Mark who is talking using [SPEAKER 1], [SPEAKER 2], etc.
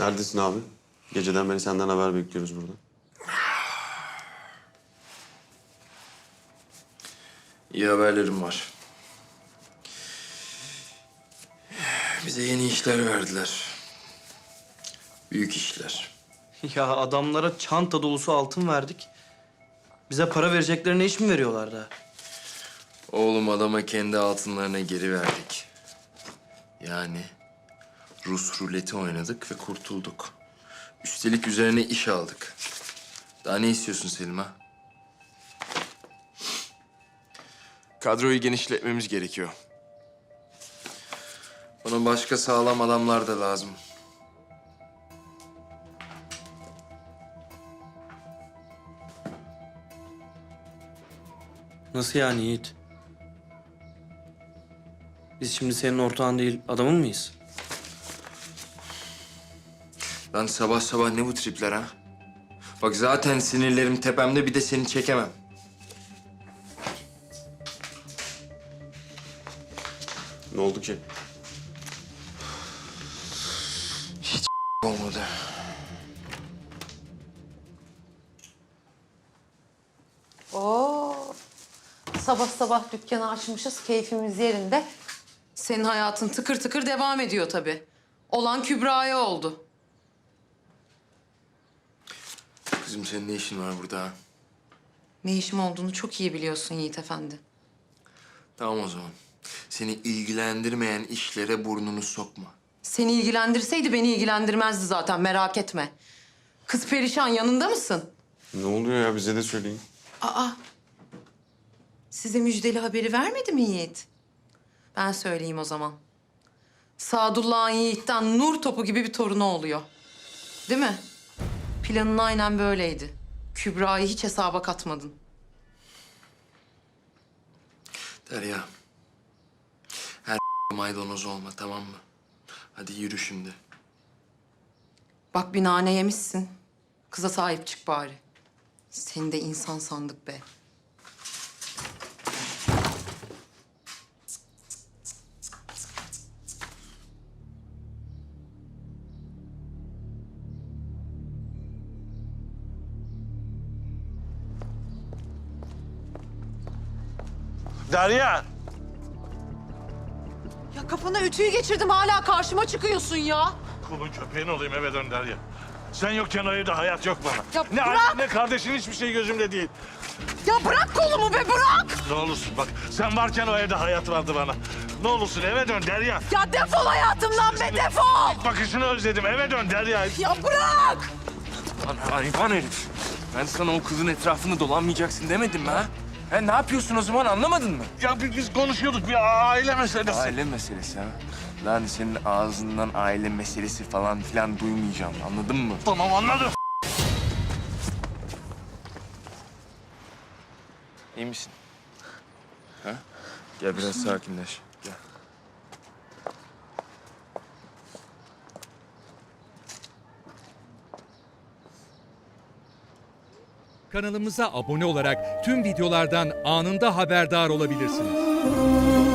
[SPEAKER 1] Neredesin abi? Geceden beri senden haber bekliyoruz burada.
[SPEAKER 2] İyi haberlerim var. Bize yeni işler verdiler. Büyük işler.
[SPEAKER 3] Ya adamlara çanta dolusu altın verdik. Bize para vereceklerine iş mi veriyorlar da?
[SPEAKER 2] Oğlum adama kendi altınlarına geri verdik. Yani Rus ruleti oynadık ve kurtulduk. Üstelik üzerine iş aldık. Daha ne istiyorsun Selim ha?
[SPEAKER 4] Kadroyu genişletmemiz gerekiyor.
[SPEAKER 2] Bana başka sağlam adamlar da lazım.
[SPEAKER 3] Nasıl yani Yiğit? Biz şimdi senin ortağın değil, adamın mıyız?
[SPEAKER 2] Lan sabah sabah ne bu tripler ha? Bak zaten sinirlerim tepemde, bir de seni çekemem.
[SPEAKER 1] Ne oldu ki?
[SPEAKER 2] Olmadı.
[SPEAKER 5] Oo. Sabah sabah dükkanı açmışız, keyfimiz yerinde. Senin hayatın tıkır tıkır devam ediyor tabii. Olan Kübra'ya oldu.
[SPEAKER 2] Kızım senin ne işin var burada ha?
[SPEAKER 5] Ne işim olduğunu çok iyi biliyorsun Yiğit Efendi.
[SPEAKER 2] Tamam o zaman. Seni ilgilendirmeyen işlere burnunu sokma.
[SPEAKER 5] Seni ilgilendirseydi beni ilgilendirmezdi zaten, merak etme. Kız perişan, yanında mısın?
[SPEAKER 1] Ne oluyor ya? Bize de söyleyin.
[SPEAKER 5] Aa. Size müjdeli haberi vermedi mi Yiğit? Ben söyleyeyim o zaman. Sadullah'ın Yiğit'ten nur topu gibi bir torunu oluyor. Değil mi? Planın aynen böyleydi. Kübra'yı hiç hesaba katmadın.
[SPEAKER 2] Derya. Her maydanoz olma, tamam mı? Hadi yürü şimdi.
[SPEAKER 5] Bak bir nane yemişsin. Kıza sahip çık bari. Seni de insan sandık be.
[SPEAKER 6] Derya!
[SPEAKER 5] Ya kafana ütüyü geçirdim, hala karşıma çıkıyorsun ya.
[SPEAKER 6] Kulun köpeğin olayım, eve dön Derya. Sen yokken o evde hayat yok bana.
[SPEAKER 5] Ya
[SPEAKER 6] ne
[SPEAKER 5] bırak!
[SPEAKER 6] annen ne kardeşin, hiçbir şey gözümde değil.
[SPEAKER 5] Ya bırak kolumu be, bırak!
[SPEAKER 6] Ne olursun bak, sen varken o evde hayat vardı bana. Ne olursun eve dön Derya.
[SPEAKER 5] Ya defol hayatımdan be, defol!
[SPEAKER 6] Bakışını özledim, eve dön Derya.
[SPEAKER 5] Ya bırak!
[SPEAKER 4] Lan hayvan herif. Ben sana o kızın etrafında dolanmayacaksın demedim mi ha? Ha ne yapıyorsun o zaman, anlamadın mı?
[SPEAKER 6] Ya biz konuşuyorduk, bir aile meselesi.
[SPEAKER 4] Aile meselesi ha. Lan senin ağzından aile meselesi falan filan duymayacağım, anladın mı?
[SPEAKER 6] Tamam anladım.
[SPEAKER 4] İyi misin? Ha? Gel biraz sakinleş. Gel.
[SPEAKER 7] Kanalımıza abone olarak tüm videolardan anında haberdar olabilirsiniz.